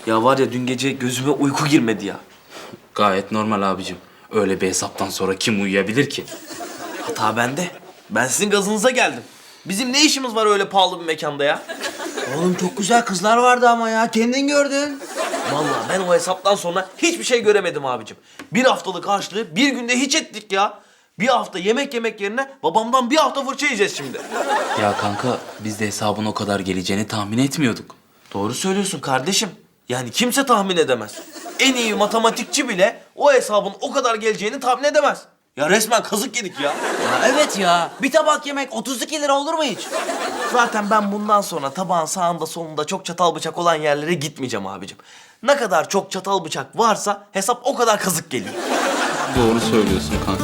Ya var ya dün gece gözüme uyku girmedi ya. Gayet normal abicim. Öyle bir hesaptan sonra kim uyuyabilir ki? Hata bende. Ben sizin gazınıza geldim. Bizim ne işimiz var öyle pahalı bir mekanda ya? Oğlum çok güzel kızlar vardı ama ya. Kendin gördün. Vallahi ben o hesaptan sonra hiçbir şey göremedim abicim. Bir haftalık harçlığı bir günde hiç ettik ya. Bir hafta yemek yerine babamdan bir hafta fırça yiyeceğiz şimdi. Ya kanka biz de hesabın o kadar geleceğini tahmin etmiyorduk. Doğru söylüyorsun kardeşim. Yani kimse tahmin edemez. En iyi matematikçi bile o hesabın o kadar geleceğini tahmin edemez. Ya resmen kazık yedik ya. Ya evet ya. Bir tabak yemek 32 lira olur mu hiç? Zaten ben bundan sonra tabağın sağında solunda çok çatal bıçak olan yerlere gitmeyeceğim abicim. Ne kadar çok çatal bıçak varsa hesap o kadar kazık geliyor. Doğru söylüyorsun kanka.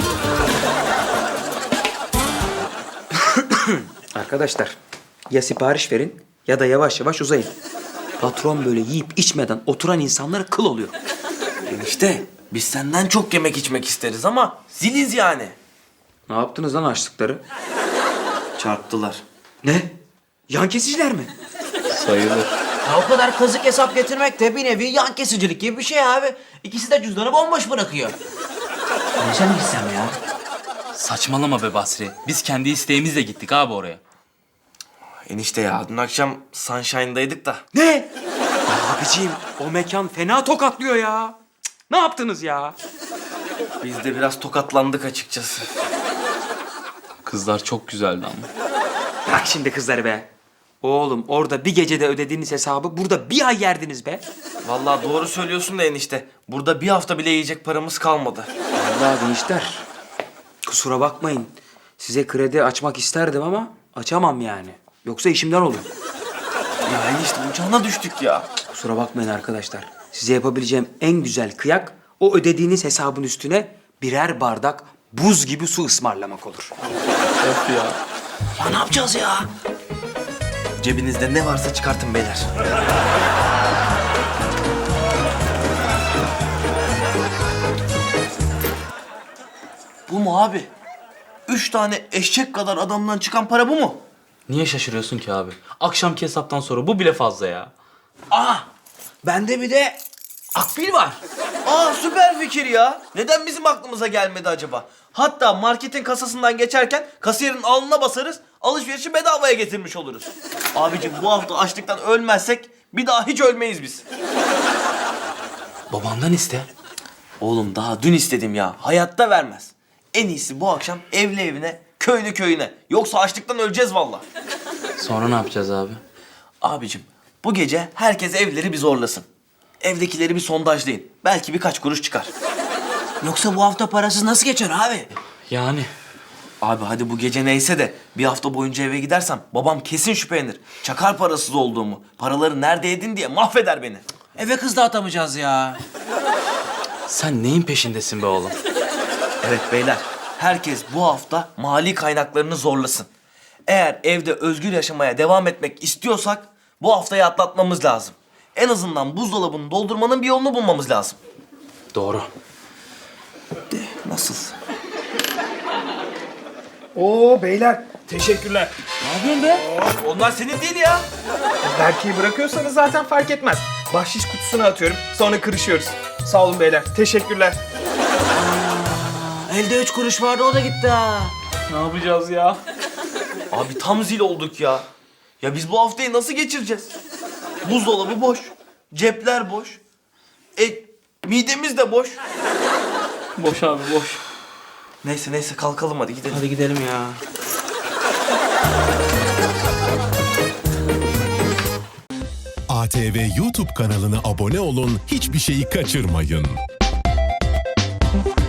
Arkadaşlar ya sipariş verin ya da yavaş yavaş uzayın. Patron böyle yiyip içmeden oturan insanlara kıl oluyor. Enişte biz senden çok yemek içmek isteriz ama ziliz yani. Ne yaptınız lan açlıkları? Çarptılar. Ne? Yan kesiciler mi? Sayılır. Ya o kadar kazık hesap getirmek de bir nevi yan kesicilik gibi bir şey abi. İkisi de cüzdanı bomboş bırakıyor. Neyse mi gitsem ya? Saçmalama be Basri. Biz kendi isteğimizle gittik abi oraya. Enişte ya dün akşam Sunshine'daydık da. Ne? Abiciğim o mekan fena tokatlıyor ya. Cık, ne yaptınız ya? Biz de biraz tokatlandık açıkçası. Kızlar çok güzeldi ama. Bırak şimdi kızları be. Oğlum orada bir gecede ödediğiniz hesabı burada bir ay yerdiniz be. Vallahi doğru söylüyorsun da enişte. Burada bir hafta bile yiyecek paramız kalmadı. Vallahi gençler kusura bakmayın. Size kredi açmak isterdim ama açamam yani. Yoksa işimden olur. Ya enişte uçağına düştük ya. Kusura bakmayın arkadaşlar. Size yapabileceğim en güzel kıyak o ödediğiniz hesabın üstüne birer bardak buz gibi su ısmarlamak olur. Ya ne yapacağız ya? Cebinizde ne varsa çıkartın beyler. Bu mu abi? 3 tane eşek kadar adamdan çıkan para bu mu? Niye şaşırıyorsun ki abi? Akşamki hesaptan sonra bu bile fazla ya. Aa! Bende bir de akbil var. Aa süper fikir ya. Neden bizim aklımıza gelmedi acaba? Hatta marketin kasasından geçerken kasiyerin alnına basarız, alışverişi bedavaya getirmiş oluruz. Abicim bu hafta açlıktan ölmezsek bir daha hiç ölmeyiz biz. Babandan iste. Oğlum daha dün istedim ya. Hayatta vermez. En iyisi bu akşam evli evine, köylü köyüne. Yoksa açlıktan öleceğiz vallahi. Sonra ne yapacağız abi? Abicim bu gece herkes evleri bir zorlasın. Evdekileri bir sondajlayın. Belki birkaç kuruş çıkar. Yoksa bu hafta parasız nasıl geçer abi? Yani Abi hadi bu gece neyse de bir hafta boyunca eve gidersem babam kesin şüphelenir. Çakar parasız olduğumu, paraları nerede yedin diye mahveder beni. Eve kız da atamayacağız ya. sen neyin peşindesin be oğlum? Evet beyler, herkes bu hafta mali kaynaklarını zorlasın. Eğer evde özgür yaşamaya devam etmek istiyorsak bu haftayı atlatmamız lazım. En azından buzdolabını doldurmanın bir yolunu bulmamız lazım. Doğru. Nasıl? Oo beyler teşekkürler. Onlar senin değil ya. Berke'yi bırakıyorsanız zaten fark etmez. Bahşiş kutusuna atıyorum sonra kırışıyoruz. Sağ olun beyler teşekkürler. Elde 3 kuruş vardı o da gitti ha. Ne yapacağız ya? Abi tam zil olduk ya. Ya biz bu haftayı nasıl geçireceğiz? Buzdolabı boş, cepler boş. Midemiz de boş. Boş abi boş. Neyse kalkalım hadi gidelim. Hadi gidelim ya. ATV YouTube kanalına abone olun, hiçbir şeyi kaçırmayın.